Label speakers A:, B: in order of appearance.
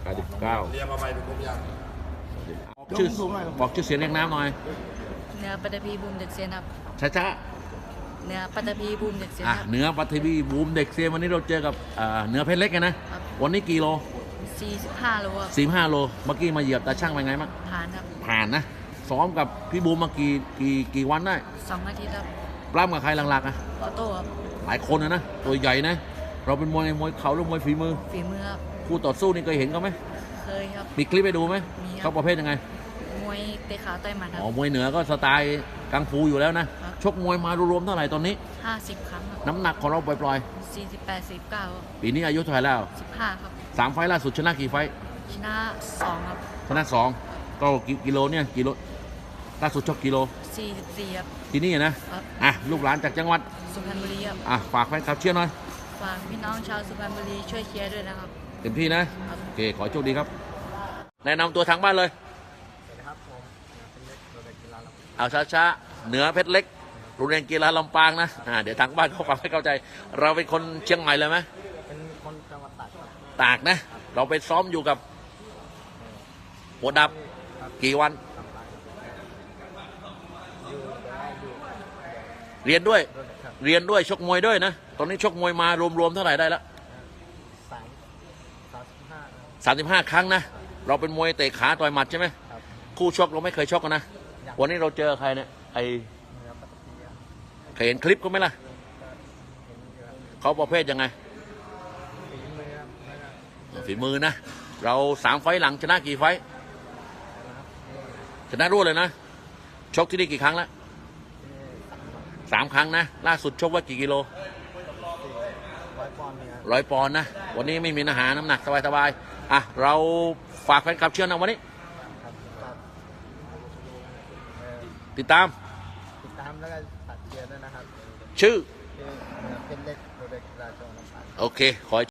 A: เรียกมาใหม่ดูผมยัง
B: บอกชื่อเสียงเรียงน้ำหน่อย
C: เนื้อปัตตพีบูมเด็กเซียนครับ
B: ช้า
C: เนื้อปัตตพีบูมเด็กเซียนครับ
B: เนื้อปัตตพีบูมเด็กเซียนวันนี้เราเจอกับเนื้อเพชรเล็กกันนะวันนี้กี่โล
C: 45 โลครับ
B: 45 โลเมื่อกี้มาเหยียบตาช่างเป็นไงบ้าง
C: ผ่านครับ
B: ผ่านนะซ้อมกับพี่บูมมากี่วันได้
C: 2 อาทิตย์ครับ
B: ปล้ำกับใครหลักๆ
C: ออโต้ครับ
B: หลายคนนะตัวใหญ่นะเราเป็นมวยเข่าหรือมวยฝีมือ
C: ครับ
B: คู่ต่อสู้นี่เคยเห็นเขาไหม
C: เคยครับ
B: มีคลิปไปดูไหมเขาประเภทยังไง
C: มวยเตะขาต่อยหมัดครับ
B: มวยเหนือก็สไตล์กังฟูอยู่แล้วนะชกมวยมารวมๆเท่าไหร่ตอนนี้
C: 50 ครั้งครับ
B: น้ำหนักของเราปล่อย
C: 48 49
B: ปีนี้อายุเท่าไหร่แล้ว
C: 15ครับ
B: 3 ไฟล์ล่าสุดชนะกี่ไฟล์
C: ชนะ2ครับ
B: ชนะ2ก็กิโลเนี่ยกิโลล่าสุดชกกิโล
C: 44ครับ
B: ที่นี่นะลูกหลานจากจังหวัด
C: สุพรรณบุรีครับ
B: ฝากแฟนคลับเชียร์หน่อย
C: ฝากพี่น้องชาวสุพรรณบุรีช่วยเชียร์ด้วยนะครับ
B: เต็มที่นะโอเคขอโชคดีครับแนะนำตัวทางบ้านเลยเอาช้าๆเหนือเพชรเล็กโรงเรียนกีฬาลำปางนะเดี๋ยวทางบ้านเขาฟังให้เข้าใจเราเป็นคนเชียงใหม่เลยไหม
D: เป็นคนจังหวัดตาก
B: ตากนะเราไปซ้อมอยู่กับหัวดับกี่วันเรียนด้วยชกมวยด้วยนะตอนนี้ชกมวยมารวมๆเท่าไหร่ได้แล้ว35 ครั้งนะเราเป็นมวยเตะขาต่อยหมัดใช่ไหมคู่ชกเราไม่เคยชกกันนะวันนี้เราเจอใครเนี่ยเคยเห็นคลิปเขาไหมล่ะเขาประเภทยังไงฝีมือนะเรา3 ไฟล์หลังชนะกี่ไฟล์ชนะรวดเลยนะชกที่นี่กี่ครั้งแล้ว3 ครั้งนะล่าสุดชกว่ากี่กิโล100 ปอนด์นะวันนี้ไม่มีอาหารน้ำหนักสบายๆเราฝากแฟนคลับเชียร์นะวันนี้ติดตาม
D: แล้วก็ตัดเชียร์ด้วยนะครับ
B: ชื่อ
D: เป็นเล็กโรเล็กราชวงศ์
B: โอเคขอ